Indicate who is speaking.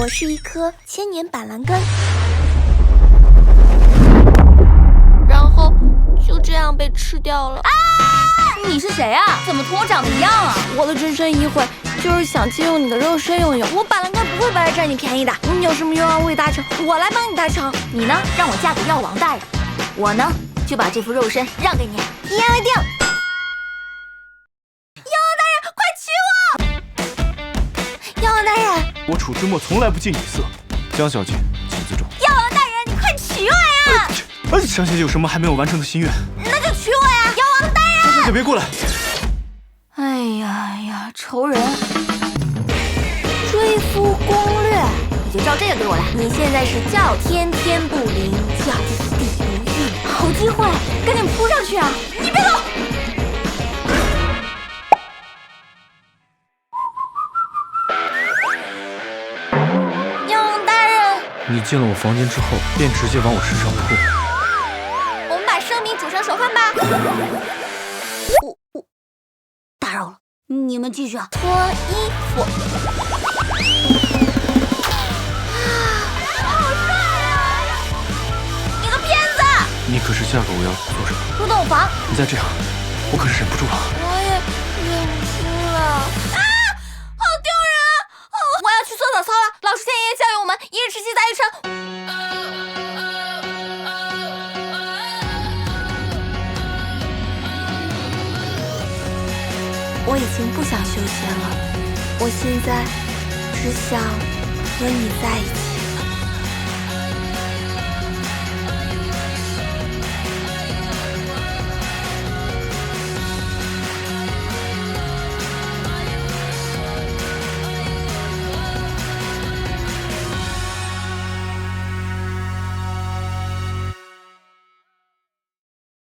Speaker 1: 是一颗千年板蓝根，然后就这样被吃掉了。
Speaker 2: 你是谁啊？怎么同我长得一样啊？
Speaker 1: 我的真身一会就是想借用你的肉身用用，我板蓝根不会白来占你便宜的。你有什么愿望未达成，我来帮你达成。
Speaker 2: 你呢，让我嫁给药王大人，我呢就把这副肉身让给你。
Speaker 1: 一言为定。药王大人，
Speaker 3: 我楚之墨从来不近女色，江小姐请自重。
Speaker 1: 药王大人，你快娶我呀！
Speaker 3: 江小姐有什么还没有完成的心愿？
Speaker 1: 那就娶我呀！药王大人，
Speaker 3: 江小姐别过来！
Speaker 2: 哎呀，仇人！
Speaker 1: 追夫攻略，
Speaker 2: 你就照这个给我来。
Speaker 1: 你现在是叫天天不灵，叫地地不应，好机会，赶紧扑上去啊！你别走！药王大人，
Speaker 3: 你进了我房间之后，便直接往我身上扑。
Speaker 1: 我们把生米煮成熟饭吧。我
Speaker 2: 打扰了，你们继续啊。
Speaker 1: 脱衣服。好帅啊！你个骗子！
Speaker 3: 你可是嫁给我要做什么？
Speaker 1: 入洞房。
Speaker 3: 你再这样，我可是忍不住了。
Speaker 1: 我也忍不住了。啊！好丢人啊！哦，我要去做早操了。老师前爷爷教育我们，一日之计在于晨。我已经不想修仙了，我现在只想和你在一起。